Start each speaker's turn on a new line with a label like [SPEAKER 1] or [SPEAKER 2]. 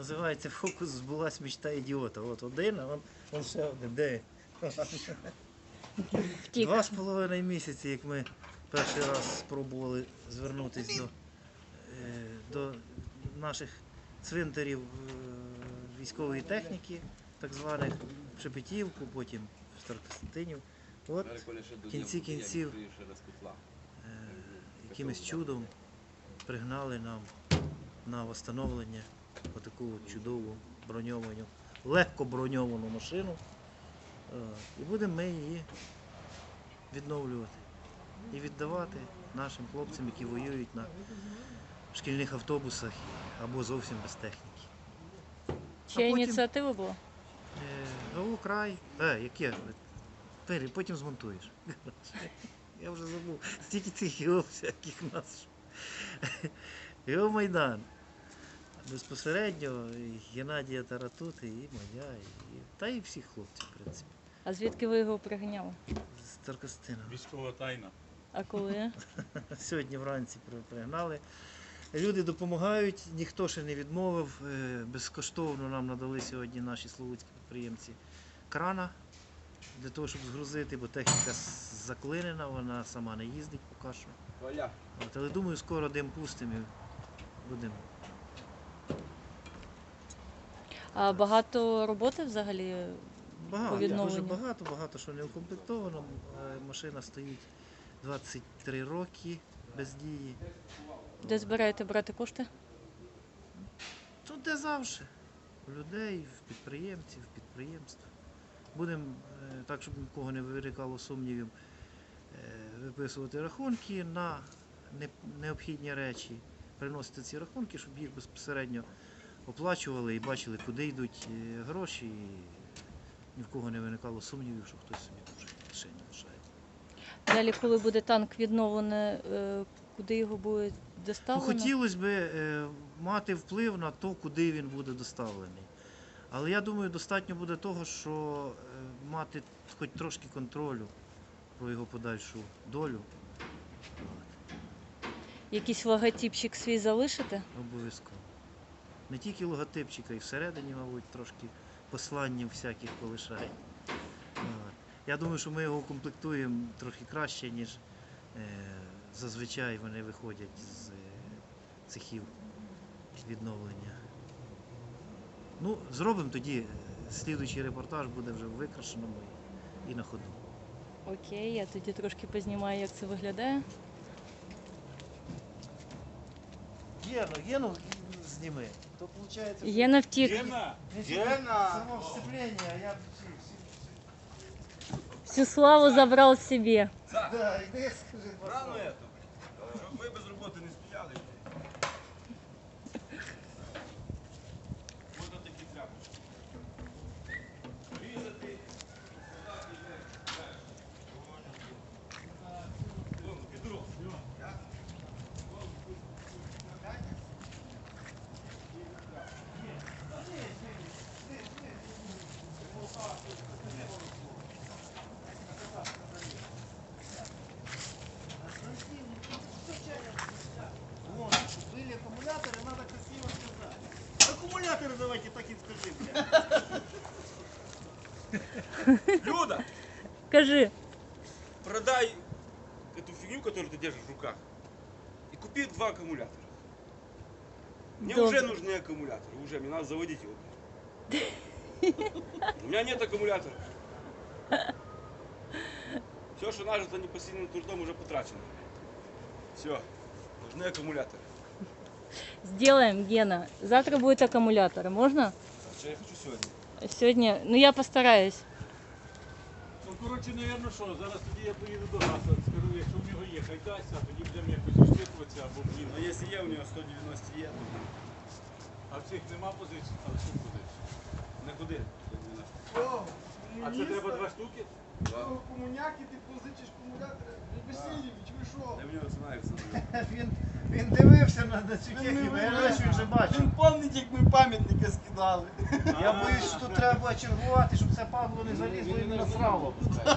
[SPEAKER 1] називається фокус збулась мечта ідіота. От один, а он ще один. Де?
[SPEAKER 2] Втік.
[SPEAKER 1] 2,5 місяці, як ми перший раз спробували звернутися до наших цвинтарів військової техніки, так званих в Шепетівку, потім в Старокостянтинів. От в кінці кінців якимось чудом пригнали нам на встановлення отаку чудову броньовану, легко броньовану машину. І будемо ми її відновлювати і віддавати нашим хлопцям, які воюють на шкільних автобусах або зовсім без техніки.
[SPEAKER 2] Чия ініціатива була?
[SPEAKER 1] ГУ край. Яке? Потім змонтуєш. Я вже забув. Стільки цих ГУ всяких у нас. ГУ Майдан. Безпосередньо і Геннадія Таратути, і моя, та і всіх хлопців, в принципі.
[SPEAKER 2] А звідки ви його пригняли?
[SPEAKER 1] З Старокостина.
[SPEAKER 3] Військова тайна.
[SPEAKER 2] А коли?
[SPEAKER 1] Сьогодні вранці пригнали. Люди допомагають, ніхто ще не відмовив. Безкоштовно нам надали сьогодні наші славутські підприємці крана для того, щоб згрузити, бо техніка заклинена, вона сама не їздить поки що. Але думаю, скоро дим пустимо і будемо.
[SPEAKER 2] А багато роботи взагалі по
[SPEAKER 1] Багато,
[SPEAKER 2] відновленню?
[SPEAKER 1] дуже багато що не укомплектовано. Машина стоїть 23 роки без дії.
[SPEAKER 2] Де збираєте брати кошти?
[SPEAKER 1] Тут де завжди. У людей, в підприємців, в підприємств. Будемо, так, щоб нікого не виникало сумнівів, виписувати рахунки на необхідні речі, приносити ці рахунки, щоб їх безпосередньо оплачували і бачили, куди йдуть гроші. І ні в кого не виникало сумнівів, що хтось собі дуже в кишені лишає.
[SPEAKER 2] Далі, коли буде танк відновлений, куди його буде
[SPEAKER 1] Ну,
[SPEAKER 2] доставлено?
[SPEAKER 1] хотілося б мати вплив на те, куди він буде доставлений. Але я думаю, достатньо буде того, що мати хоч трошки контролю про його подальшу долю.
[SPEAKER 2] Якийсь логотипчик свій залишите?
[SPEAKER 1] Обов'язково. Не тільки логотипчика, і всередині, мабуть, трошки посланнів всяких полишає. Я думаю, що ми його укомплектуємо трохи краще, ніж зазвичай вони виходять з цехів відновлення. Ну, зробимо тоді, слідуючий репортаж буде вже в викрашеному і на ходу.
[SPEAKER 2] Окей, я тоді трошки познімаю, як це виглядає.
[SPEAKER 1] Гену зніми. То виходить,
[SPEAKER 2] Є на втік.
[SPEAKER 3] Гена!
[SPEAKER 1] само вступлення, а я
[SPEAKER 2] Всю славу забрав собі.
[SPEAKER 1] Да, іди, скажи,
[SPEAKER 3] Рано это, щоб ми без роботи не стояли. Можна такі тряпочки. Різати.
[SPEAKER 1] Вон, щоб были аккумуляторы, надо красиво сказать. Аккумуляторы давайте так и скажите.
[SPEAKER 3] Люда,
[SPEAKER 2] Кажи.
[SPEAKER 3] продай эту фигню, которую ты держишь в руках, и купи 2 аккумулятора. Мне
[SPEAKER 2] Добре.
[SPEAKER 3] уже нужны аккумуляторы, уже, мне надо заводить его. У меня нет аккумулятора. Все, что нажито непосильным трудом, уже потрачено. Все, нужны аккумуляторы.
[SPEAKER 2] Сделаем, Гена. Завтра будет аккумуляторы. Можно?
[SPEAKER 3] А что я хочу сегодня?
[SPEAKER 2] Сегодня, ну я постараюсь.
[SPEAKER 4] Ну, коротше, напевно, що, зараз тоді я поїду до Гаса, скажу, якщо в нього є, хай дасть, а тоді будемо якось розчитуватися, або блін.
[SPEAKER 3] Но если я у него 190 є,
[SPEAKER 4] А в цих нема позицій, а що позицій?
[SPEAKER 3] то не куди?
[SPEAKER 4] А це треба 2 штуки?
[SPEAKER 5] Комуняки, ти позичиш акумулятори. Васильович, ви що?
[SPEAKER 3] Я в нього знаю все.
[SPEAKER 1] Він дивився на цю техніку, я бачу, він вже бачив.
[SPEAKER 5] Він пам'ятник, як ми пам'ятники скидали.
[SPEAKER 1] Я боюсь, що тут треба чергувати, щоб це падло не залізло і не насрало.